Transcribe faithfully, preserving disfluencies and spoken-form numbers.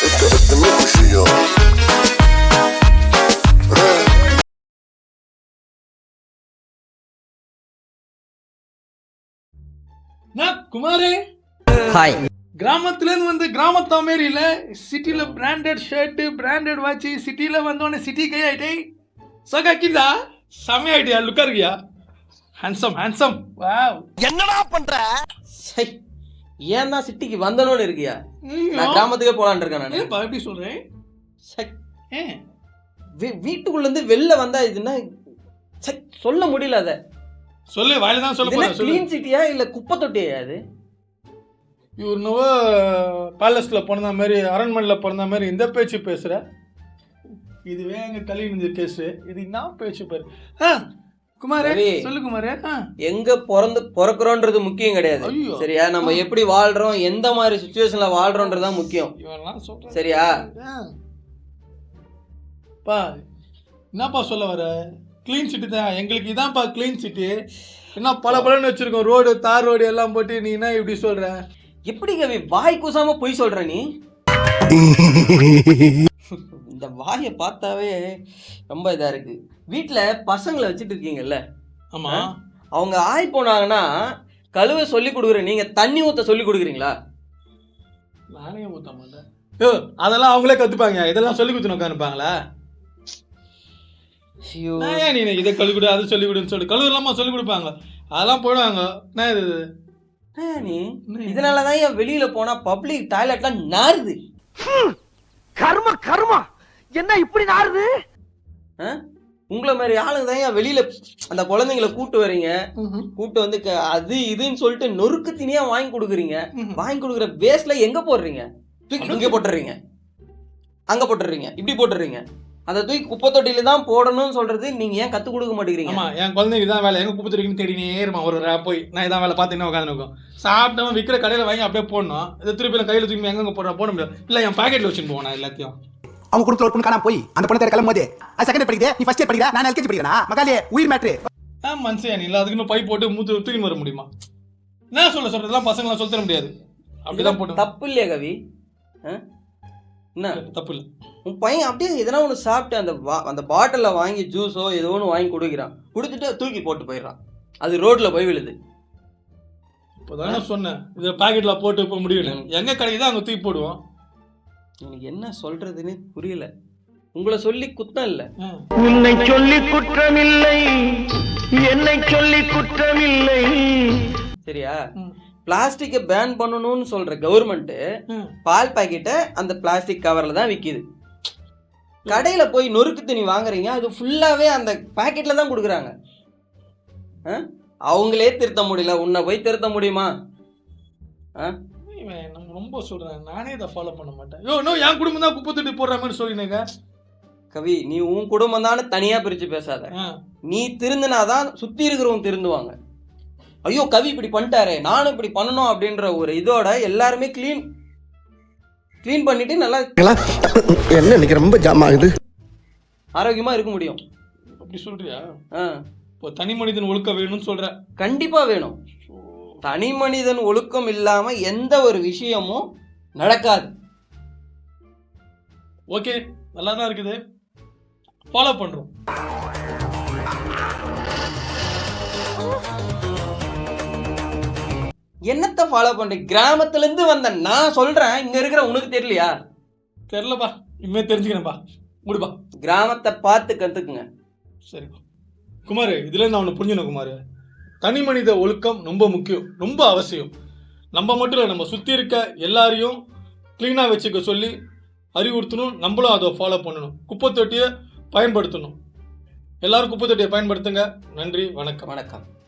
குமாரே hi. கிராமத்துல இருந்து வந்து கிராமத்தா மாரி இல்ல, சிட்டில பிராண்டட் ஷர்ட் பிராண்டட் வாட்ச், சிட்டில வந்தோடனே சிட்டி கை ஆயிட்டே சகாக்கிதா செமையா ஆயிட்டியா, லுக்கா இருக்கியா, ஹேண்ட்ஸம் ஹேண்ட்ஸம். வாவ், என்னடா பண்ற? சை, ஏன் தான் சிட்டிக்கு வந்தனோன்னு இருக்கியா? நான் கிராமத்துக்கே போலான்னு இருக்கேன் நான். ஏப்பா எப்படி சொல்றேன்? சை, ஏ வீட்டுக்குள்ள இருந்து வெளில வந்தா இதுன்னா சை சொல்ல முடியல. அத சொல்லு, வாயில தான் சொல்ல போறேன். க்ளீன் சிட்டியா இல்ல குப்பை தொட்டியா அது? இவர் நவோ பேலஸ்ல பிறந்த மாதிரி, அரண்மனையில் பிறந்த மாதிரி இந்த பேச்சு பேசுற. இதுவே எங்க கல்வி கேஸ். இது என்ன பேச்சு பாரு. குமாரே சொல்லு குமாரே. எங்க பிறந்து பிறக்கிறோன்றது முக்கியம் கிடையாது சரியா? நம்ம எப்படி வாழ்றோம், எந்த மாதிரி சிச்சுவேஷன்ல வாழ்றோன்றதுதான் முக்கியம் சரியா? பா என்னப்பா சொல்ல வர? கிளீன் சிட்டி தான் எங்களுக்கு, இதான்ப்பா கிளீன் சிட்டி. என்ன பல பலன்னு வச்சிருக்கோம், ரோடு தார் ரோடு எல்லாம் போட்டு. நீ என்ன இப்படி சொல்ற? எப்படி கவி வாய் கூசாம பொய் சொல்ற நீ? இந்த வாயை பார்த்தாவே ரொம்ப இதா இருக்கு. வீட்டுல பசங்களை வச்சுட்டு இருக்கீங்கல்ல? ஆமா. அவங்க ஆய் போனாங்கன்னா கழுவ சொல்லி கொடுக்குற நீங்க தண்ணி ஊத்த சொல்லி கொடுக்குறீங்களா? நானே ஊத்த மாட்டேன். ஓ, அதெல்லாம் அவங்களே கத்துப்பாங்க. இதெல்லாம் சொல்லி கொடுத்து உட்காந்துப்பாங்களா? நீ இதை கழுவி கொடு, அதை சொல்லி கொடுன்னு சொல்லி கழுவு இல்லாம சொல்லி கொடுப்பாங்க. அதெல்லாம் போயிடுவாங்க. என்ன இது நீ? இதனாலதான் என் வெளியில போனா பப்ளிக் டாய்லெட்லாம் நாறுது. கர்ம கர்மா என்ன இப்படி நாறுது? உங்களை மாதிரி ஆளுங்க தான் ஏன் வெளியில அந்த குழந்தைங்களை கூட்டு வரீங்க, கூட்டு வந்து அது இதுன்னு சொல்லிட்டு நொறுக்கு தினியா வாங்கி கொடுக்குறீங்க. வாங்கி கொடுக்குற வேஸ்ட்ல எங்க போடுறீங்க? இங்க போட்டுறீங்க, அங்க போட்டுறீங்க, இப்படி போட்டுறீங்க. அதை தூக்கி குப்பை தொட்டியில தான் போடணும்னு சொல்றது நீங்க ஏன் கத்து கொடுக்க மாட்டேங்கிறீங்க? ஆமா, என் குழந்தைக்கு தான் வேலை. எங்க குப்பை தொட்டிக்குன்னு தேடினே இருமா ஒரு போய் நான் இதான் வேலை பார்த்து என்ன உட்காந்து இருக்கும். சாப்பிட்டவன் விற்கிற கடையில வாங்கி அப்படியே போடணும். இதை திருப்பி கையில தூக்கி எங்க போடுற போட முடியாது. இல்ல என் பாக்கெட்ல வச்சுன்னு போவேன் எல்லாத்தையும். அவங்க குடுத்துல ஒரு பொண்ணு காணாம போய் அந்த பொண்ணு தேட கிளம்பும்போது அது செகண்ட் படிக்குது, நீ ஃபர்ஸ்ட் இயர் படிக்கிற, நான் எல்கேஜி படிக்கிறேனா? மகாலே உயிர் மேட்ரு. ஆ மனுஷன் நீ இல்ல, அதுக்குன்னு பை போட்டு மூத்து தூக்கி வர முடியுமா? என்ன சொல்ல சொல்றதெல்லாம் பசங்களாம் சொல்ல தர முடியாது. அப்படிதான் போட்டு தப்பு இல்லையா கவி? என்ன தப்பு இல்லை? உன் பையன் அப்படியே எதனா ஒன்று சாப்பிட்டு அந்த அந்த பாட்டிலில் வாங்கி ஜூஸோ ஏதோ ஒன்று வாங்கி கொடுக்குறான், கொடுத்துட்டு தூக்கி போட்டு போயிடறான். அது ரோட்ல போய் விழுது. இப்போதானே சொன்னேன் இதை பாக்கெட்ல போட்டு போக முடியல. எங்க கிடைக்குதோ அங்கே தூக்கி போடுவோம். எனக்கு என்ன சொல்றதுன்னு புரியல. உங்களை சொல்லி குத்தம் இல்லை. உன்னை சொல்லி குற்றமில்லை, என்னை சொல்லி குற்றமில்லை சரியா? பிளாஸ்டிக்கை பேன் பண்ணணும்னு சொல்ற கவர்மெண்ட் பால் பாக்கெட்டை அந்த பிளாஸ்டிக் கவர்ல தான் விற்கிது. கடையில போய் நொறுக்கு தண்ணி வாங்குறீங்க, அது ஃபுல்லாவே அந்த பாக்கெட்ல தான் கொடுக்குறாங்க. அவங்களே திருத்த முடியல, உன்னை போய் திருத்த முடியுமா? ரொம்ப சொல்றேன், நானே இதை ஃபாலோ பண்ண மாட்டேன். யோ நோ, என் குடும்பம் தான் குப்பை தொட்டி போடுற மாதிரி சொல்லினேங்க. கவி, நீ உன் குடும்பம் தானே தனியா பிரிச்சு பேசாத. நீ திருந்தினாதான் சுத்தி இருக்கிறவங்க திருந்துவாங்க. ஐயோ கவி இப்படி பண்ணிட்டாரே, நானும் இப்படி பண்ணணும் அப்படின்ற ஒரு இதோட எல்லாருமே கிளீன் கிளீன் பண்ணிட்டு நல்லா என்ன இன்னைக்கு ரொம்ப ஜாம் ஆகுது, ஆரோக்கியமா இருக்க முடியும். அப்படி சொல்றியா? இப்போ தனி மனிதன் ஒழுக்கம் வேணும்னு சொல்ற? கண்டிப்பா வேணும். தனி மனிதன் ஒழுக்கம் இல்லாம எந்த ஒரு விஷயமும் நடக்காது. ஓகே, நல்லா தான் இருக்குது, ஃபாலோ பண்றோம். என்னத்தை ஃபாலோ பண்றீங்க? கிராமத்துல இருந்து வந்த நான் சொல்றேன், இங்க இருக்கிற உனக்கு தெரியலையா? தெரியலப்பா, இனிமே தெரிஞ்சுக்கிறேன்ப்பா. முடிப்பா, கிராமத்தை பார்த்து கத்துக்குங்க. சரிப்பா குமார், இதுல நான் ஒன்று புரிஞ்சுக்கணும் குமார். தனி மனித ஒழுக்கம் ரொம்ப முக்கியம், ரொம்ப அவசியம். நம்ம மட்டும் இல்லை, நம்ம சுற்றி இருக்க எல்லாரையும் க்ளீனாக வச்சுக்க சொல்லி அறிவுறுத்தணும். நம்மளும் அதை ஃபாலோ பண்ணணும். குப்பை தொட்டியை பயன்படுத்தணும். எல்லாரும் குப்பை தொட்டியை பயன்படுத்துங்க. நன்றி, வணக்கம். வணக்கம்.